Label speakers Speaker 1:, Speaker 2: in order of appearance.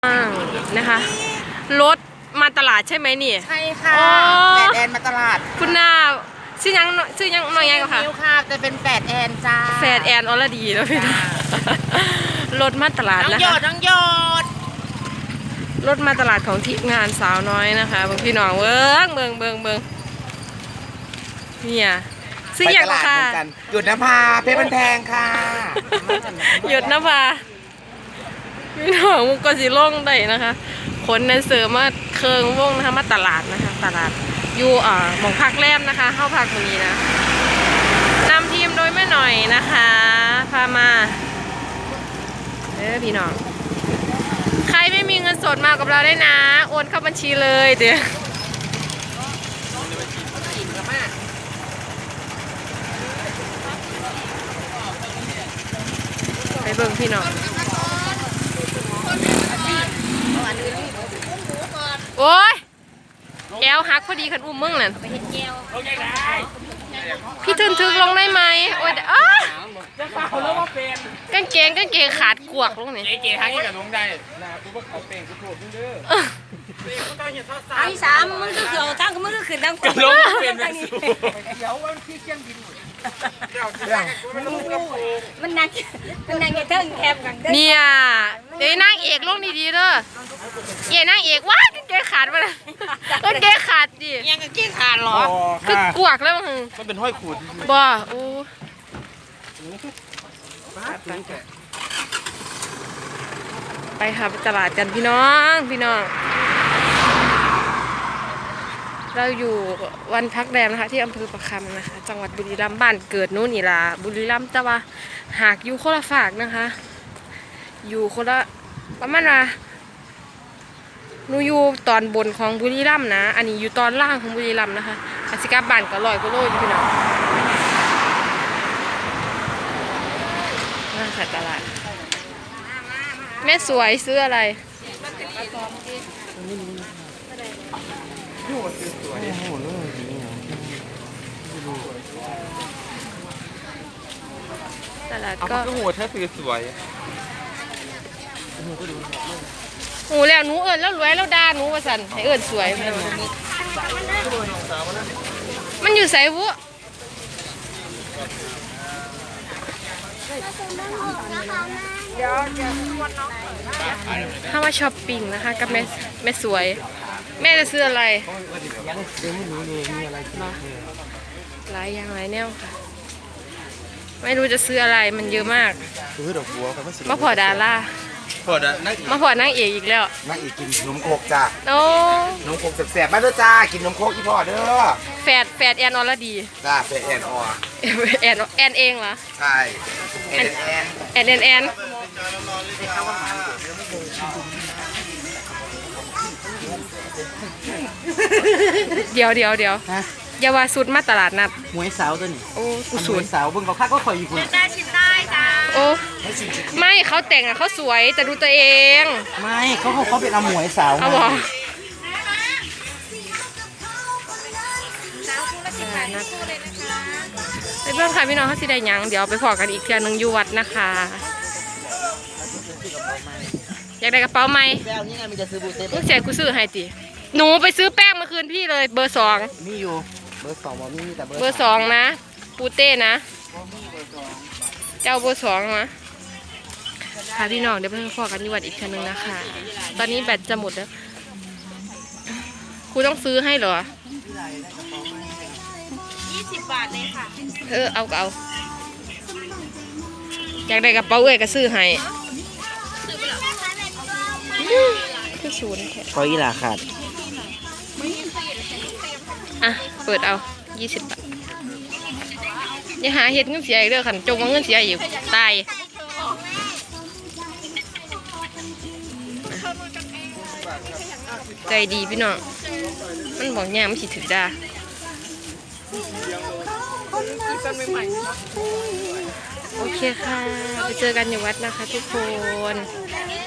Speaker 1: นะคะรถมาตลาดใช่ไหมนี่
Speaker 2: ใช่ค่ะแปดแอนมาตลาด
Speaker 1: คุณนาชื่อยังหน่อยไงก็ค่ะ
Speaker 2: ค่ะจะเป็นแปดแอนจ้า
Speaker 1: แปดแอนอรดีแล้วพี่น้องรถมาตลาดนะคะ
Speaker 2: น้องโยด
Speaker 1: รถมาตลาดของทีมงานสาวน้อยนะคะบางพี่น้องเบิ่งเนี่ยซื้ออย่างค่ะ
Speaker 2: หยุดนภาเพชรบันแพงค่ะ
Speaker 1: หยุดนภาพี่น้องมุกกสิล่งได้นะคะคนในเสริมมาเคืองวงนะคะมาตลาดนะคะตลาดอยู่หมองพักแรมนะคะเข้าพักตรงนี้นะนำทีมโดยแม่หน่อยนะคะพามาพี่น้องใครไม่มีเงินสดมากับเราได้นะโอนเข้าบัญชีเลยเดี๋ยวไปเบิ่งพี่น้องโอ้ยแอลฮักพอดีคันอุ้มมึงนั่นพี่ทึกลงได้ไหมโอ้ยกางเกงขาดกวกลงนี่
Speaker 3: เก๋ทั้งนี้กับลงได้นะกูว่าเขาเป็นกูโผล่เด้อ
Speaker 4: ไอ้สามมึงก็เกี่ยวทั้งมึงก็ขึ้นทั้งคน
Speaker 3: ลงเป็นแบบสูเดี๋ยววันที่เชียงบิน
Speaker 4: มันนั่งอย่าเทิงแคบกัน
Speaker 1: เนี่ยเดี๋ยวนางเอกลงดีๆเด้อเย่นางเอกว้ากางเกงขาดมาเลยกางเกงขาดดิ
Speaker 4: ยังกางเกงขาดหรอ
Speaker 1: คือกวกแล้วมั้ง
Speaker 3: มันเป็นห้อยขูด
Speaker 1: บ่โอ้ไปค่ะไปตลาดกันพี่น้องเราอยู่วันพักแรมนะคะที่อำเภอประคำนะคะจังหวัดบุรีรัมย์บ้านเกิดนู้นนี่ล่ะบุรีรัมย์แต่ว่าหากอยู่คนละฝากนะคะอยู่คนละประมาณว่าหนูอยู่ตอนบนของบุรีรัมย์นะอันนี้อยู่ตอนล่างของบุรีรัมย์นะคะอาศิกาบ้านก็100 กว่าโลอยู่พี่น้องน่าขัดตลาดแม่สวยซื้ออะไรตลาดก็
Speaker 3: โอ้โหถ้าซื้อสวย
Speaker 1: หูแล้วหนูแล้วรวยแล้วด่าหนูว่าสันให้สวยมันอยู่ไสวุถ้ามาช้อปปิ้งนะคะกับแม่สวยแม่จะซื้ออะไรหลายอย่างหลายแนวค่ะไม่รู้จะซื้ออะไรมันเยอะมาก
Speaker 2: ซื้อดอกบัวกับ
Speaker 1: มาพอดารามาพอนางเอกอีกแล้ว
Speaker 2: นางเอกกินนมโคกจ้า
Speaker 1: โอ้
Speaker 2: นมโคกแสบๆมาเด้อจ้ากินนมโคกอีพ่อเด้อ
Speaker 1: แฟดแอนอรดี
Speaker 2: จ้าแฟดแอนออ
Speaker 1: แอนเองเหรอ
Speaker 2: ใช่แอน
Speaker 1: เดี๋ยวอย่าว่าสุดมาตลาดนัด
Speaker 2: หมวยสาวตัวนี้
Speaker 1: โอ้กูสูด
Speaker 2: สาวเบิ่งเขาคักก็คอยอยู่คุณ
Speaker 4: ได้ชิมได้จ้า
Speaker 1: โอ้ไม่เขาแต่งเขาสวยแต่ดูตัวเอง
Speaker 2: ไม่เขาเป็นหมวยสาว
Speaker 1: เอาบอกไปเพื่อนค่ะพี่น้องเขาสิได้ยังเดี๋ยวไปพอกันอีกเทื่อนึงอยู่วัดนะคะอยากได้กระเป๋าไหมลูกเสียกูซื้อให้ติหนูไปซื้อแป้งมาคืนพี่เลยเบอร์2
Speaker 2: มีอยู่เบอร์2มีแต่
Speaker 1: เบอร์2นะปูเต้นะเจ้าเบอร์2นะค่ะพี่น้องเดี๋ยวไปพอกันอยู่วัดอีกเทื่อนึงนะคะตอนนี้แบตจะหมดแล้วครูต้องซื้อให้เหรอ
Speaker 4: 20 บาทเลยค่ะ
Speaker 1: เอาอยากได้กระเป๋าก็ซื้อให้คือศูนย์
Speaker 2: ขออีหลาขาด
Speaker 1: เปิดเอา20 บาทอย่าหาเห็ดเงินเสียอีกเด้อขันจงว่าเงินเสียอยู่ตายใจดีพี่น้องมันบอกย่างไม่สิถึงด่าโอเคค่ะไปเจอกันอยู่วัดนะคะทุกคน